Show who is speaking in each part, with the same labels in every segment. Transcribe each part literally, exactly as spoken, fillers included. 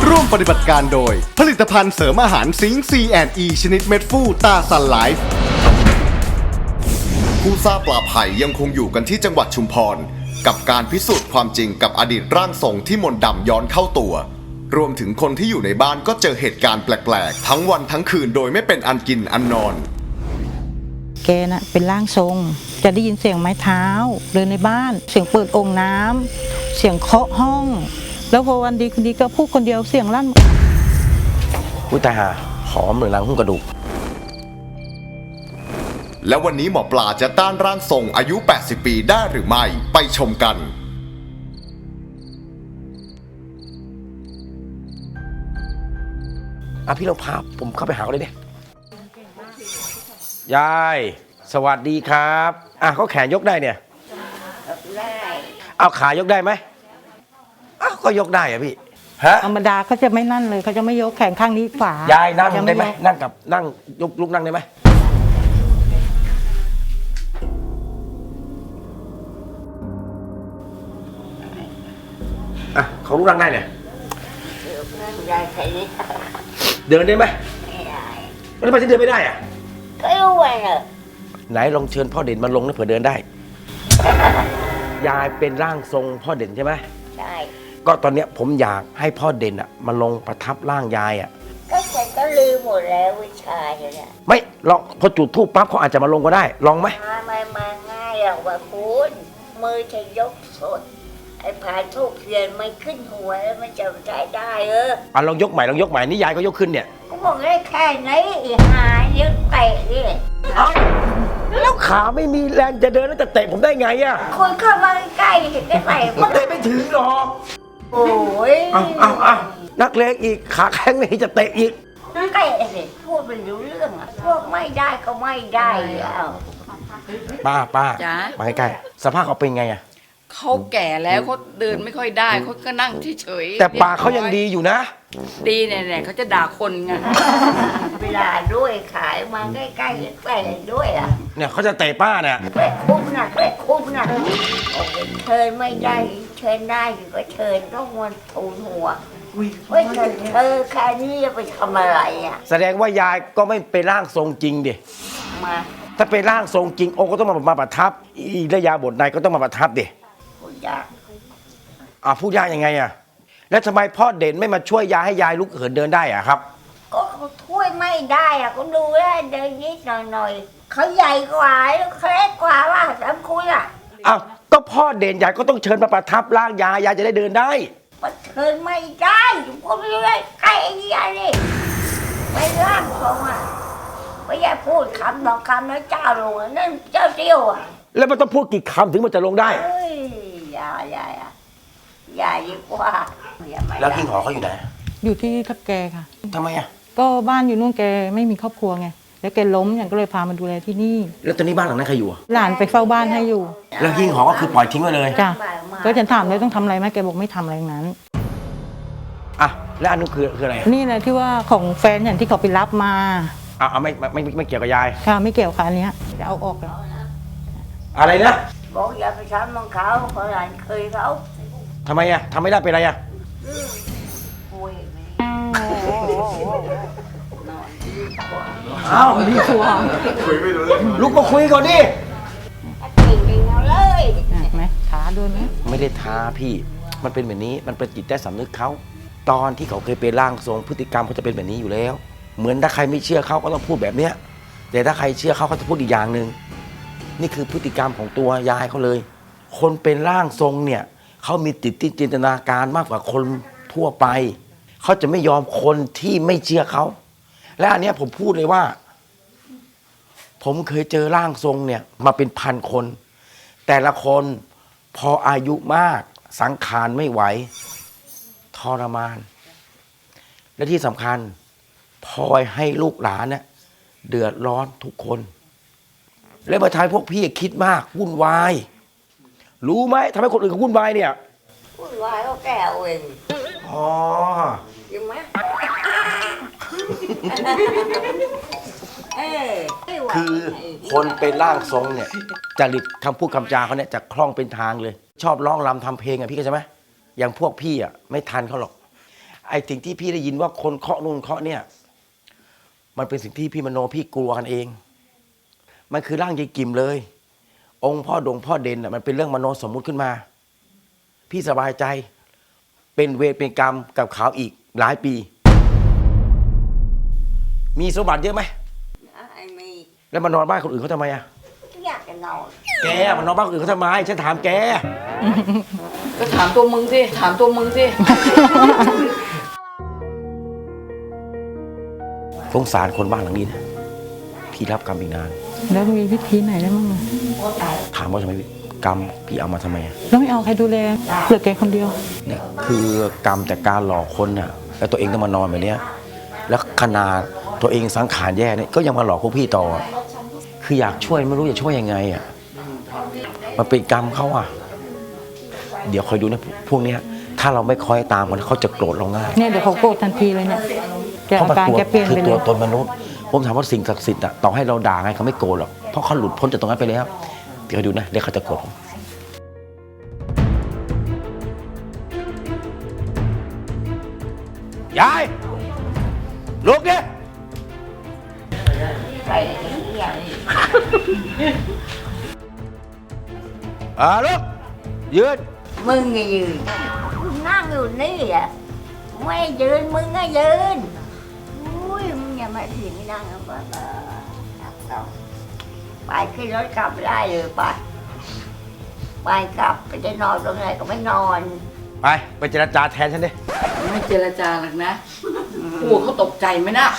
Speaker 1: ร่วมปฏิบัติการโดยผลิตภัณฑ์เสริมอาหารซิงค์ ซี แอนด์ อี ชนิดเม็ดฟูตาซันไลฟ์ผู้ทราบปลาไผ่ยังคงอยู่กันที่จังหวัดชุมพรกับการพิสูจน์ความจริงกับอดีตร่างทรงที่มนต์ดำย้อนเข้าตัวรวมถึงคนที่อยู่ในบ้านก็เจอเหตุการณ์แปลกๆทั้งวันทั้งคืนโดยไม่เป็นอันกินอันนอน
Speaker 2: แกน่ะเป็นร่างทรงจะได้ยินเสียงไม้เท้าเดินในบ้านเสียงเปิดโอ่งน้ำเสียงเคาะห้องแล้วพอวันดีคืนดีก็พูดคนเดียวเสียงลั่น
Speaker 3: ผู้ตายหาหอมเหมือนรังหุ้มกระดูก
Speaker 1: และวันนี้หมอปลาจะต้านร่างทรงอายุแปดสิบปีได้หรือไม่ไปชมกัน
Speaker 3: อ่ะพี่ลองพาผมเข้าไปหาเขาเลยดิยายสวัสดีครับอ่ะเขาแขนยกได้เนี่ยได้เอาขายกได้ไหมอ้าวก็ยกได้อะพี่ฮะ
Speaker 2: ธรรมดาเขาจะไม่นั่นเลยเขาจะไม่ยกแขนข้างนี้ขวาย
Speaker 3: ายนั่งได้ไหมนั่งกับนั่งยกลุกนั่งได้ไหมอ่ะเขาลุกนั่งได้เนี่ยเดินได้ไหมไม่ได้ไม่ได้เดินไม่ได้อะ
Speaker 4: ก็รู้ไงเหรอ
Speaker 3: ไหนลองเชิญพ่อเด่นมาลงนะเผื่อเดินได้ยายเป็นร่างทรงพ่อเด่นใช่ไหม
Speaker 4: ใช่
Speaker 3: ก็ตอนเนี้ยผมอยากให้พ่อเด่นอ่ะมาลงประทับร่างยายอ่ะ
Speaker 4: ก็ฉันก็ลืมหมดแล้ววิชาเนี่ย
Speaker 3: ไม่ลองพอจุดธูปปั๊บเขาอาจจะมาลงก็ได้ลองไหม
Speaker 4: มาไม่มาง่ายหรอกว่าคุณมือจะยกสดไอ้ผ่านทูบเทียนมันขึ้นหัวแล้วมันจะใช้ได้เออ
Speaker 3: อ่ะลองยกใหม่ลองยกใหม่นี่ยายก็ยกขึ้นเนี่ย
Speaker 4: ก็บอกได้แค่ไหนอีหาเยอะเตะดิ
Speaker 3: แล้วขาไม่มีแรงจะเดินแล้วจะเตะผมได้ไงอ่ะ
Speaker 4: คนเข้ามาใกล้เห็นได้ไหม
Speaker 3: มันเตะไม่ถึงหรอก
Speaker 4: โอ้ย
Speaker 3: อ้าวอ้าวอ้าวนักเลงอีกขาแข็งนี่จะเตะอีก
Speaker 4: เตะสิพูดเป็นรู้เรื่องอ่ะพวกไม่ได้ก็ไม่ได้แล้ว
Speaker 3: ป้าป้ามาใกล้ๆสภาพเขาเป็นไงอ่ะ
Speaker 5: เขาแก่แล้วเขาเดินไม่ค่อยได้เขาก็นั่งเฉย
Speaker 3: ๆแต่ปากเขายังดีอยู่นะ
Speaker 5: ดีเนี่ยเขาจะด่าคนไง
Speaker 4: เวลาด้วยขายมาใกล้ๆแฝงด้วยอ่ะ
Speaker 3: เนี่ยเขาจะเตะป้าเนี่ย
Speaker 4: แฝงคุ้มนะแฝงคุ้มนะเชิญไม่ได้เชิญได้อยู่ก็เชิญต้องมันทูลหัวไม่เชิญเธอแค่นี้จะไปทำอะไรอ่ะ
Speaker 3: แสดงว่ายายก็ไม่เป็นร่างทรงจริงดิ
Speaker 4: มา
Speaker 3: ถ้าเป็นร่างทรงจริงองค์ก็ต้องมามาประทับอีระยาบทในก็ต้องมาประทับดิ
Speaker 4: พูดยาก
Speaker 3: อ่ะพูดยากยังไงอ่ะแล้วทำไมพ่อเด่นไม่มาช่วยยายให้ยายลุกเหินเดินได้อ่ะครับ
Speaker 4: ก็เขาช่วยไม่ได้อ่ะก็ดูแลเดินนิดหน่อยๆเขาใหญ่กว่าแล้วเขาเล็กกว่าว่าสามคุณอ่ะ
Speaker 3: อ้าวก็พ่อเด่นยายก็ต้องเชิญมาประทับร่างยายยายจะได้เดินได้
Speaker 4: มันเชิญไม่ได้ผมไม่ได้ใกล้ไอ้ยายนี่ไม่ร่างทรงอ่ะไม่อยากพูดคำสองคำแล้วเจ้าลงนั่นเจ้าเดียวอ่ะ
Speaker 3: แล้วมันต้องพูดกี่คำถึงมันจะลงได้
Speaker 4: เฮ้ยยายยายอ่ะยายดีกว่า
Speaker 3: แล้วหิ้งหอเขาอยู่ไหน
Speaker 2: อยู่ที่ทับแกค่ะ
Speaker 3: ทำไมอ่ะ
Speaker 2: ก็บ้านอยู่นู่นแกไม่มีครอบครัวไงแล้วแกล้มอย่างก็เลยพามาดูแลที่นี่
Speaker 3: แล้วตอนนี้บ้านหลังนั้นใครอยู่
Speaker 2: หลานไปเฝ้าบ้านให้อยู่
Speaker 3: แล้วหิ้งหอก็คือปล่อยทิ้งไว้เลย
Speaker 2: จ้ะก็ฉันถามเลยต้องทำอะไรไหมแกบอกไม่ทำอะไรนั้น
Speaker 3: อ่ะแล้วอันนู้นคือคืออะไร
Speaker 2: นี่แหละที่ว่าของแฟนอย่างที่เขาไปรับมา
Speaker 3: อ่ะเอาไม่ไม่ไม่เกี่ยวกับยาย
Speaker 2: ค่ะไม่เกี่ยวค่ะอันนี้จะเอาออกแล้ว
Speaker 3: อะไรนะ
Speaker 4: บอกอย่าไปทำมังเขาเขาหลานเคยเขา
Speaker 3: ทำไมอ่ะทำไม่ได้เป็นไรอ่ะอ้าวดีกว่าคุยไม่รู้เรื่องลุกมาคุยก่อนดิ
Speaker 4: เลย
Speaker 2: ไหมท้าด้วยไหม
Speaker 3: ไม่ได้ท้าพี่มันเป็นแบบนี้มันเป็นจิตใต้สำนึกเขาตอนที่เขาเคยเป็นร่างทรงพฤติกรรมเขาจะเป็นแบบนี้อยู่แล้วเหมือนถ้าใครไม่เชื่อเขาก็ต้องพูดแบบเนี้ยแต่ถ้าใครเชื่อเขาเขาจะพูดอีกอย่างหนึ่งนี่คือพฤติกรรมของตัวยายเขาเลยคนเป็นร่างทรงเนี่ยเขามีจิตที่จินตนาการมากกว่าคนทั่วไปเขาจะไม่ยอมคนที่ไม่เชื่อเขาและอันนี้ผมพูดเลยว่าผมเคยเจอร่างทรงเนี่ยมาเป็นพันคนแต่ละคนพออายุมากสังขารไม่ไหวทรมานและที่สำคัญพลอยให้ลูกหลานเนี่ยเดือดร้อนทุกคนและมาทายพวกพี่คิดมากวุ่นวายรู้ไหมทำให้คนอื่นเขาวุ่นวายเนี่ย
Speaker 4: วุ่นวายก็แก่เอง
Speaker 3: อ๋อ
Speaker 4: ยังไหม
Speaker 3: คือคนเป็นร่างทรงเนี่ยจริตคำพูดคำจาเขาเนี่ยจะคล่องเป็นทางเลยชอบร้องรำทำเพลงอ่ะพี่เข้าใจไหมอย่างพวกพี่อ่ะไม่ทันเขาหรอกไอ้สิ่งที่พี่ได้ยินว่าคนเคาะนู่นเคาะเนี่ยมันเป็นสิ่งที่พี่มโนพี่กลัวกันเองมันคือร่างยายกิมเลย องค์พ่อดงพ่อเด่นน่ะมันเป็นเรื่องมโนสมมุติขึ้นมาพี่สบายใจเป็นเวรเป็นกรรมกับเขาอีกหลายปี มีสมบัติเยอะไหม
Speaker 4: ไอ้มี
Speaker 3: แล้วมานอนบ้านคนอื่นเขาทำไมอ่ะ
Speaker 4: อยากจะนอน
Speaker 3: แกมานอนบ้านคนอื่นเขาทำไมฉันถามแก
Speaker 5: ก็ถามตัวมึงสิถามตัวมึงสิ
Speaker 3: สงสารคนบ้านหลังนี้นะพี่รับกรรมอีกนาน
Speaker 2: แล้วมีวิธีไหนได้บ้างอะ
Speaker 3: ถามว่าทำไมกรรมพี่เอามาทำไมอะ
Speaker 2: แล้วไม่เอาใครดูแลเหลือแกคนเดียว
Speaker 3: เนี่ยคือกรรมจากการหลอกคนน่ะแล้วตัวเองต้องมานอนแบบเนี้ยแล้วขนาดตัวเองสังขารแย่เนี่ยก็ยังมาหลอกพวกพี่ต่อคืออยากช่วยไม่รู้จะช่วยยังไงอ่ะมันเป็นกรรมเขาอ่ะเดี๋ยวคอยดูนะพวกเนี้ยถ้าเราไม่คอยตามมันเขาจะโกรธเราง่าย
Speaker 2: เนี่ยเดี๋ยวเขาโกรธทันทีเลยเนี่ยแก
Speaker 3: เพราะ
Speaker 2: อา
Speaker 3: มัน
Speaker 2: การ
Speaker 3: ตัว
Speaker 2: แกเปลี่ยน
Speaker 3: คือ
Speaker 2: ไปเล
Speaker 3: ตัวย ตนมนุษย์ผมถามว่าสิ่งศักดิ์สิทธิ์อ่ะต่อให้เราด่าไงเขาไม่โกรธหรอกเพราะเขาหลุดพ้นจากตรงนั้นไปแล้วเดี๋ยวดูนะเดี๋ยวเขาจะโกรธผมยายลุกดิ
Speaker 4: ไอ้เหี้ย
Speaker 3: อ่าลุกยืน
Speaker 4: มึงก็ยืนนั่งอยู่นี่อ่ะไม่ยืนมึงก็ยืนอุ้ยมึงอย่ามาถีบไม่นั่งนะบ้าไปขึ้นรถกลับได้เลยไปไปกลับไปจะนอนตรงไหนก็ไม่นอน
Speaker 3: ไปไปเจรจาแทนฉันดิ
Speaker 5: ไม่เจรจาหรอกนะกูเขาตกใจไหมนะ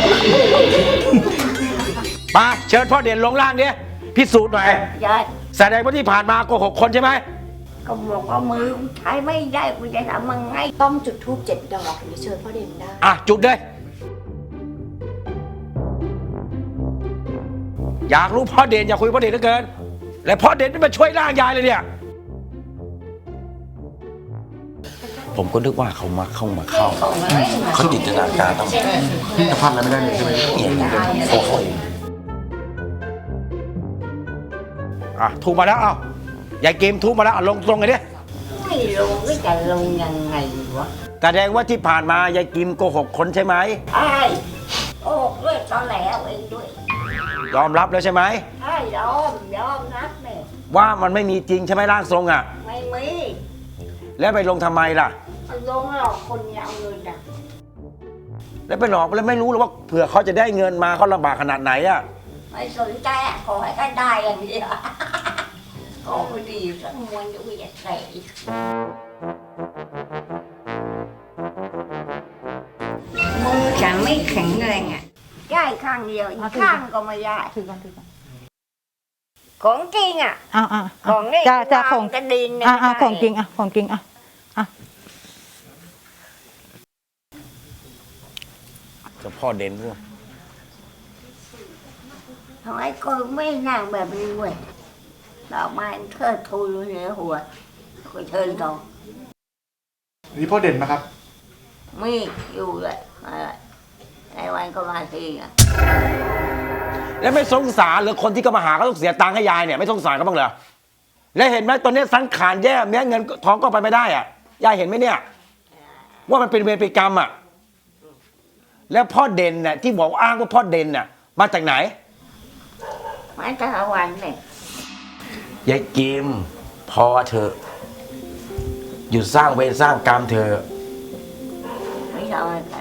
Speaker 3: มาเชิญพ่อเด่นลงล่างดิพิสูจน์หน่อย
Speaker 4: ยาย
Speaker 3: แสดงว่าที่ผ่านมาโกหกคนใช่ไหม
Speaker 4: ก็บอกว่ามือใช้ไม่ได้กูจะทำยังไง
Speaker 6: ต้องจุดธูปเจ็ดดอกถึงจะเชิญพ่อเด่นได้
Speaker 3: อ่ะจุดเลยอยากรู้พ่อเด่นอยากคุยพ่อเด่นเหลือเกินและพ่อเด่นไม่มาช่วยร่างยายเลยเนี่ยผมก็นึกว่าเขามาเข้ามาเข้าเขาจินตนาการต้องจะพลาดอะไรไม่ได้เลยใช่ไหมเนี่ยโอ้โหอ่ะถูกมาแล้วเอ้ายายเกมถูกมาแล้วอ่ะลงตรงเลยดิ
Speaker 4: ไม่ลงก็จะลงยังไงวะ
Speaker 3: แสดงว่าที่ผ่านมายายกิมโกหกคนใช่ไหม
Speaker 4: ไอ้โอ้ด้วยตอนแหลวเองด้วย
Speaker 3: ยอมรับแล้วใช่ไหม
Speaker 4: ใช่ยอมยอมนับเนี่ย
Speaker 3: ว่ามันไม่มีจริงใช่ไหมร่างทรงอ่ะ
Speaker 4: ไม่มี
Speaker 3: แล้วไปลงทำไมล่ะ
Speaker 4: มันลงหลอกคนเอาเงินอ่ะ
Speaker 3: แล้วไปหลอกแล้วไม่รู้หรอกว่าเผื่อเขาจะได้เงินมาเขาลำบากขนาดไหนอ่ะ
Speaker 4: ไม่สนใจอ่ะขอให้ก็ได้อย่างเดียวขอคนดีสักมวนจะวิ่งใส่มือฉันไม่แข็งแรงอ่ะได้ข้างเดียวอีกข้างก็ไม่ได้
Speaker 2: ถือก่อนถือก่อน
Speaker 4: ของจริงอ่ะ
Speaker 2: อ่าอ่า
Speaker 4: ของนี่
Speaker 2: จ้าจ้าของ
Speaker 4: กระดิน
Speaker 2: อ่าอ่าของจริงอ่ะของจริงอ่ะอ่ะ
Speaker 3: จะพ่อเด่นด้วย
Speaker 4: ทำไมกูไม่นั่งแบบนี้เว้ยดอกไม้เทิดทูนเหนือหัวกูเชิญต่อ
Speaker 7: นี่พ่อเด่นนะครับ
Speaker 4: มีอยู่เลยอะไรในวันก็มาทีอ่ะ
Speaker 3: แล้วไม่สงสารหรือคนที่ก็มาหาก็ต้องเสียตังค์ให้ยายเนี่ยไม่สงสารเขาบ้างเหรอแล้วเห็นไหมตอนนี้สังขารแย่แม้เงินทองก็ไปไม่ได้อ่ะยายเห็นไหมเนี่ยว่ามันเป็นเวรเป็นกรรมอ่ะแล้วพ่อเด่นน่ะที่บอกอ้างว่าพ่อเด่นน่ะมาจากไหน
Speaker 4: มาแต่ละวันเนี่ย
Speaker 3: ยายกิมพอเถอะหยุดสร้างเวรสร้างกรรมเถอะ
Speaker 4: ไม่ทำอะไร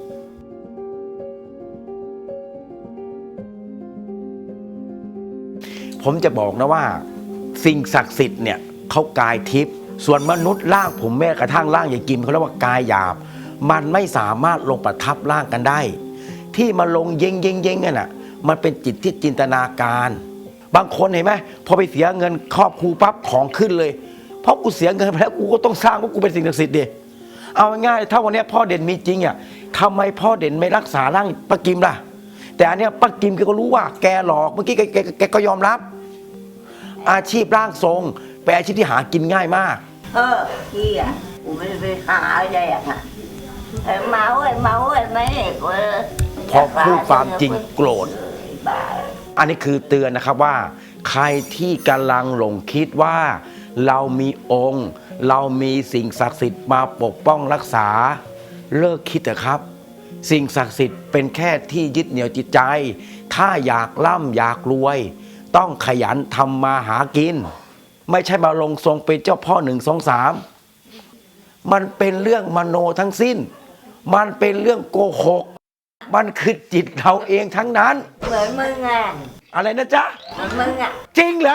Speaker 3: ผมจะบอกนะว่าสิ่งศักดิ์สิทธิ์เนี่ยเขากายทิพย์ส่วนมนุษย์ร่างผมแม้กระทั่งร่างยายกิมเขาเรียกว่ากายหยาบมันไม่สามารถลงประทับร่างกันได้ ที่มาลงเย็งเย็งเย็งกันอ่ะมันเป็นจิตที่จินตนาการ บางคนเห็นไหมพอไปเสียเงินครอบครูปั๊บของขึ้นเลยเพราะกูเสียเงินไปแล้วกูก็ต้องสร้างว่ากูเป็นสิ่งศักดิ์สิทธิ์ดิเอาง่ายๆถ้าวันนี้พ่อเด่นมีจริงอ่ะทำไมพ่อเด่นไม่รักษาร่างป้ากิมล่ะแต่อันเนี้ยป้ากิมแกก็รู้ว่าแกหลอกเมื่อกี้แกแกแกก็ยอมรับอาชีพร่างทรงเป็นอาชีพที่หากินง่ายมาก
Speaker 4: เออพี่อ่ะกูไม่ได้ไปหาอะไรอ่ะเออเมาเอ้ยเมาเอ้ยไม่เอกเว้ย
Speaker 3: พอพูดความจริงโกรธ
Speaker 4: บ้า
Speaker 3: อันนี้คือเตือนนะครับว่า ใครที่กำลังหลงคิดว่า เรามีองค์ เรามีสิ่งศักดิ์สิทธิ์มาปกป้องรักษาเลิกคิดเถอะครับ สิ่งศักดิ์สิทธิ์เป็นแค่ที่ยึดเหนี่ยวจิตใจ ถ้าอยากร่ำอยากรวย ต้องขยันทำมาหากิน ไม่ใช่มาลงทรงเป็นเจ้าพ่อหนึ่งสองสามมันเป็นเรื่องมโนทั้งสิ้น มันเป็นเรื่องโกหก มันคือจิตเราเองทั้งนั้น
Speaker 4: เหมือนมึงอ่ะ
Speaker 3: อะไรนะจ๊ะ
Speaker 4: เหมือนมึงอ่ะ
Speaker 3: จริงเหรอ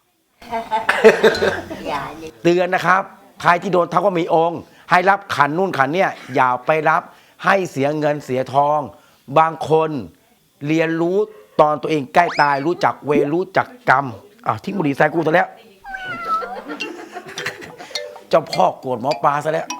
Speaker 4: อย่าดิ
Speaker 3: เตือนนะครับใครที่โดนทักว่ามีองค์ ให้รับขันนู่นขันเนี่ยอย่าไปรับให้เสียเงินเสียทอง บางคนเรียนรู้ตอนตัวเองใกล้ตายรู้จักเวรรู้จักกรรมอ่ะทิ้งบุหรี่ใส่กูซะแล้ว เจ้าพ่อโกรธหมอปลาซะแล้ว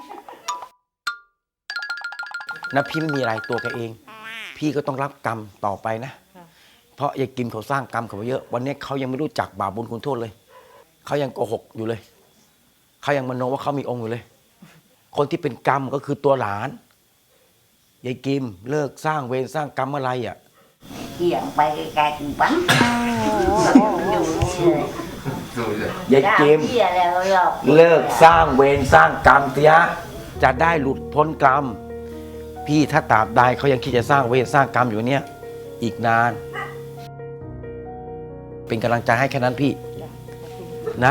Speaker 3: นะพี่ไม่มีอะไรตัวแกเอง พี่ก็ต้องรับกรรมต่อไปนะ เพราะยายกิมเขาสร้างกรรมเขาไว้เยอะ วันนี้เขายังไม่รู้จักบาปบุญคุณโทษเลยเขายังโกหกอยู่เลยเขายังมโนว่าเขามีองค์อยู่เลย คนที่เป็นกรรมก็คือตัวหลานยายกิมเลิกสร้างเวรสร้างกรรมอะไรอ่ะ
Speaker 4: เกี่ยงไปไกลๆถึงปั๊มอยู่เลย
Speaker 3: ยายกิม
Speaker 4: เกี่ยแล้วหรอก
Speaker 3: เลิกสร้างเวรสร้างกรรมเสียจะได้หลุดพ้นกรรม พี่ถ้าตราบใดเขายังคิดจะสร้างเวรสร้างกรรมอยู่เนี้ยอีกนาน เป็นกำลังใจให้แค่นั้นพี่นะ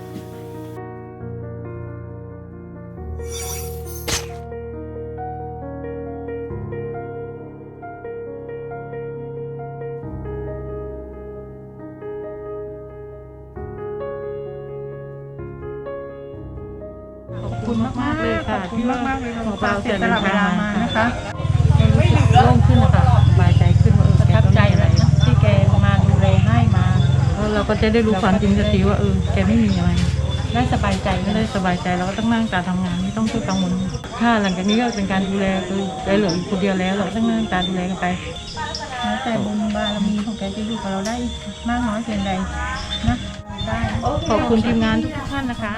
Speaker 2: ขอบคุณมากๆเลยค่ะที่มากๆเลยหมอปลาเสียสละเวลามานะคะโล่งขึ้นนะคะสบายใจขึ้นว่าเออแกต้องมีอะไรที่แกมาดูแลให้มาแล้วเราก็จะได้รู้ความจริงสักทีว่าเออแกไม่มีอะไรได้สบายใจก็ได้สบายใจเราก็ต้องนั่งตาทำงานไม่ต้องช่วยกังวลถ้าหลังจากนี้ก็เป็นการดูแลคือแกเหลืออยู่คนเดียวแล้วเราต้องนั่งตาดูแลกันไปแล้วแต่บุญบารมีของแกจะอยู่กับเราได้มากน้อยเพียงใดนะได้ขอบคุณทีมงานทุกท่านนะคะ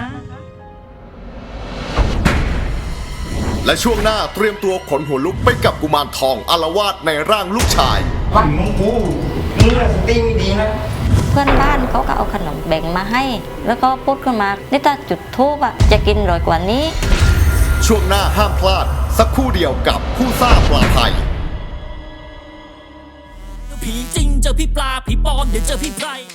Speaker 1: และช่วงหน้าเตรียมตัวขนหัวลุกไปกับกุมารทองอาละวาดในร่างลูกชาย
Speaker 8: เพื่อนบ้านเขาก็เอาขนมแบ่งมาให้ แล้วก็พูดขึ้นมานี่ถ้าจุดทูบอะจะกินอร่อยกว่านี้
Speaker 1: ช่วงหน้าห้ามพลาด สักครู่เดียวกับผู้ซ่าปลาไทย
Speaker 9: ผีจริงเจอพี่ปลาผีปลอมเดี๋ยวเจอพี่ไพร